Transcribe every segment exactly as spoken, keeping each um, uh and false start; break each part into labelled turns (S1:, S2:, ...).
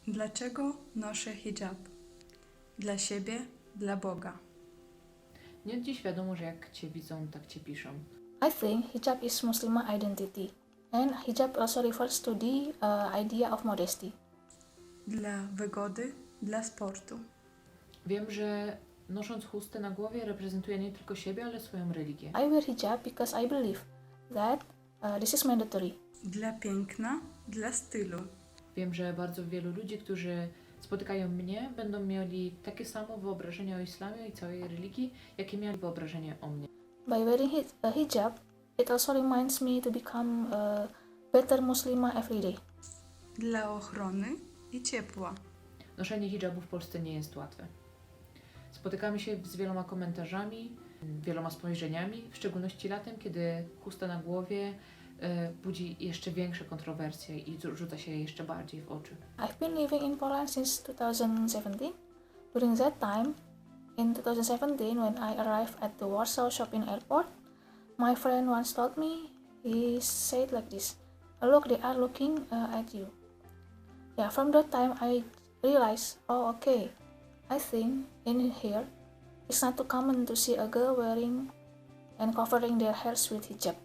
S1: Dlaczego noszę hijab? Dla siebie, dla Boga.
S2: Nie od dziś wiadomo, że jak Cię widzą, tak Cię piszą.
S3: I think hijab is Muslimah identity, and hijab also refers to the uh, idea of modesty.
S1: Dla wygody, dla sportu.
S2: Wiem, że nosząc chustę na głowie reprezentuje nie tylko siebie, ale swoją religię.
S3: I wear hijab because I believe that uh, this is mandatory.
S1: Dla piękna, dla stylu.
S2: Wiem, że bardzo wielu ludzi, którzy spotykają mnie, będą mieli takie samo wyobrażenie o islamie i całej religii, jakie mieli wyobrażenie o mnie.
S3: By wearing hi- a hijab, it also reminds me to become a better Muslimah every day.
S1: Dla ochrony i ciepła.
S2: Noszenie hijabu w Polsce nie jest łatwe. Spotykamy się z wieloma komentarzami, wieloma spojrzeniami, w szczególności latem, kiedy chusta na głowie y, budzi jeszcze większe kontrowersje i rzuca się jeszcze bardziej w oczy.
S3: I've been living in Poland since two thousand seventeen. During that time, in two thousand seventeen, when I arrived at the Warsaw Shopping Airport, my friend once told me, he said like this, "Look, they are looking uh, at you." Yeah, from that time I realized, oh okay, I think in here it's not too common to see a girl wearing and covering their hairs with hijab.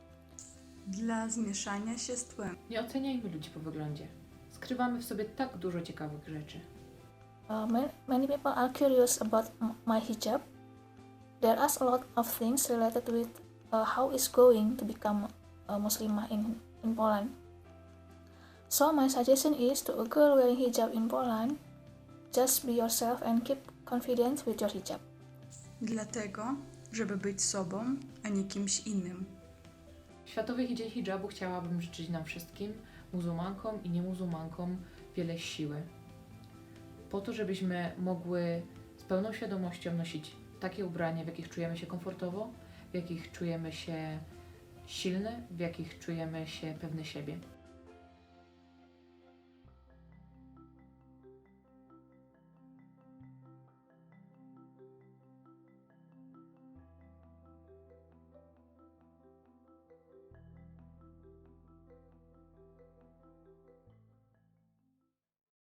S1: Dla zmieszania się z tłem.
S2: Nie oceniajmy ludzi po wyglądzie. Skrywamy w sobie tak dużo ciekawych rzeczy.
S3: Uh, ma- many people are curious about m- my hijab. There are a lot of things related with uh, how it's going to become a Muslimah in, in Poland. So my suggestion is to a girl wearing hijab in Poland, just be yourself and keep confidence with your hijab.
S1: Dlatego, żeby być sobą, a nie kimś innym.
S2: W Światowy Dzień Hijabu chciałabym życzyć nam wszystkim, muzułmankom i niemuzułmankom, wiele siły. Po to, żebyśmy mogły z pełną świadomością nosić takie ubrania, w jakich czujemy się komfortowo, w jakich czujemy się silne, w jakich czujemy się pewne siebie.